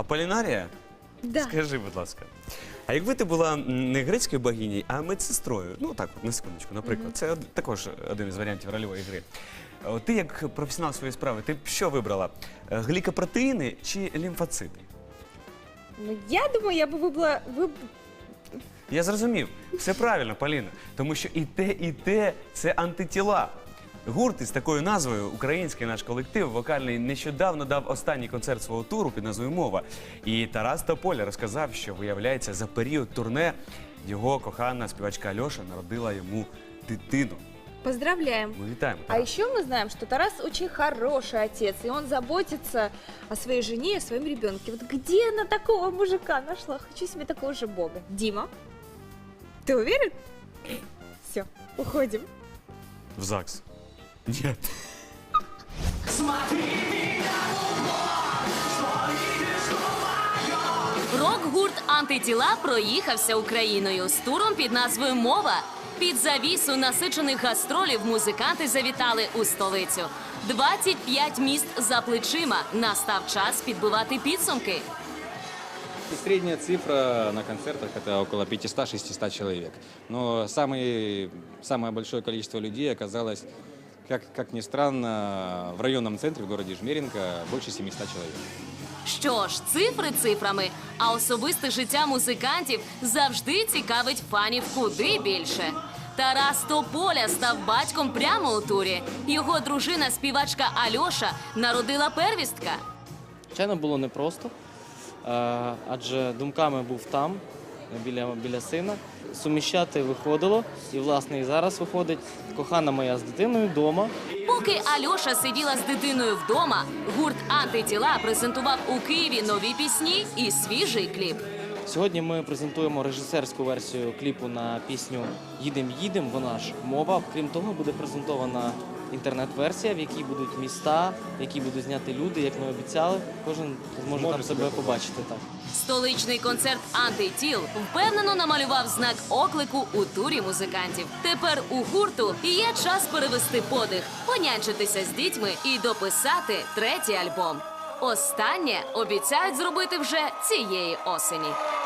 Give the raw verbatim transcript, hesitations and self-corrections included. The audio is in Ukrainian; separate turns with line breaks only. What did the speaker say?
Аполлінарія?
Да.
Скажи, будь ласка. А якби ти була не грецькою богинею, а медсестрою, ну так, от, на секундочку, наприклад, mm-hmm. це од- також один із варіантів рольової гри. От ти як професіонал своєї справи, ти б що вибрала? Глікопротеїни чи лімфоцити?
Ну, я думаю, я бы выбрала... Выб...
Я зрозумів. Все правильно, Поліна. Тому що і те, і те – це антитіла. Гурт із такою назвою, український наш колектив, вокальний, нещодавно дав останній концерт свого туру під назвою «Мова». І Тарас Тополя розказав, що, виявляється, за період турне його кохана співачка Альоша народила йому дитину.
Поздравляем.
Ми вітаємо,
А
Тарас.
еще мы знаем, что Тарас очень хороший отец, и он заботится о своей жене и о своем ребенке. Вот где она такого мужика нашла? Хочу себе такого же бога. Дима, ты уверен? Все, уходим.
В ЗАГС. Нет.
Рок-гурт «Антитіла» проїхався Україною з туром під назвою «Мова». Під завісу насичених гастролів музиканти завітали у столицю. двадцять п'ять міст за плечима. Настав час підбивати підсумки.
Средняя цифра на концертах – это около пятисот-шестисот человек. Но самый, самое большое количество людей оказалось, как, как ни странно, в районном центре в городе Жмеринка больше семисот человек.
Що ж, цифри цифрами, а особисте життя музикантів завжди цікавить фанів куди більше. Тарас Тополя став батьком прямо у турі. Його дружина, співачка Альоша, народила первістка.
Звичайно, було непросто, е, адже думками був там, біля, біля сина. Суміщати виходило, і, власне, і зараз виходить кохана моя з дитиною вдома.
Поки Альоша сиділа з дитиною вдома, гурт «Антитіла» презентував у Києві нові пісні і свіжий кліп.
Сьогодні ми презентуємо режисерську версію кліпу на пісню «Їдем, їдем», вона ж «Мова». Крім того, буде презентована інтернет-версія, в якій будуть міста, в якій будуть зняти люди, як ми обіцяли. Кожен зможе там себе побачити. Так.
Столичний концерт «Антитіл» впевнено намалював знак оклику у турі музикантів. Тепер у гурту є час перевести подих, понянчитися з дітьми і дописати третій альбом. Останнє обіцяють зробити вже цієї осені.